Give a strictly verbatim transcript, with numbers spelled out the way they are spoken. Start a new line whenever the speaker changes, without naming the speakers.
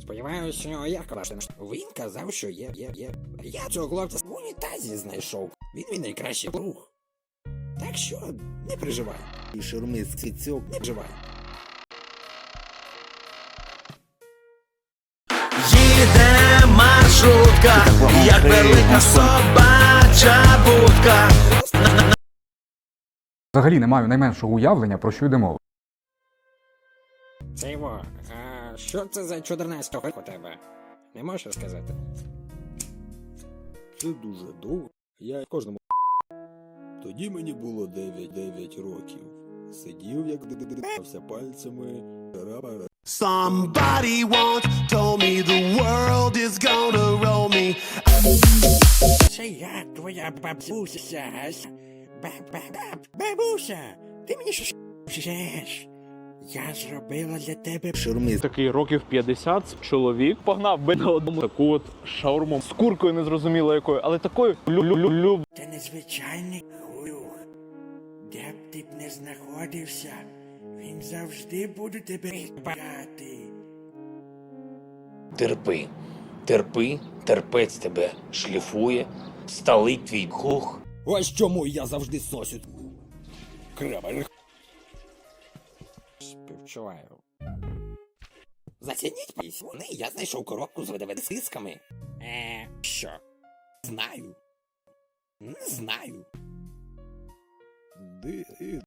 Сподіваюся, як ваше. Він казав, що є, є, є. Я цього хлопця в унітазі знайшов. Він мій найкращий друг. Так що не переживай.
І шурмист цицьок.
Не переживай.
Їде маршрутка, як велика собача будка.
Взагалі не маю найменшого уявлення, про що йде мова.
Це його. А що це за чотирнадцятого у тебе? Не можеш сказати?
Це дуже довго. Я кожному тоді мені було дев'ять років. Сидів, як дивився пальцями.
Somebody once told me the world is gonna roll me.
Це я, твоя бабуся. Баб-баб-баб. Бабуся, ти мені що шеш? Я зробила для тебе
Шурмист.
Такий років п'ятдесят чоловік погнав би на одному таку от шаурму з куркою незрозуміло якою, але такою лю-лю-лю.
Це незвичайний хуюх. Де б ти б не знаходився, він завжди буде тебе багати.
Терпи, терпи, терпець тебе шліфує, сталить твій кух.
Ось чому я завжди сосю. Кремер.
Співчуваю. Зацініть вони, я знайшов коробку з видавецисками. Е, що? Знаю. Не знаю.
Ди...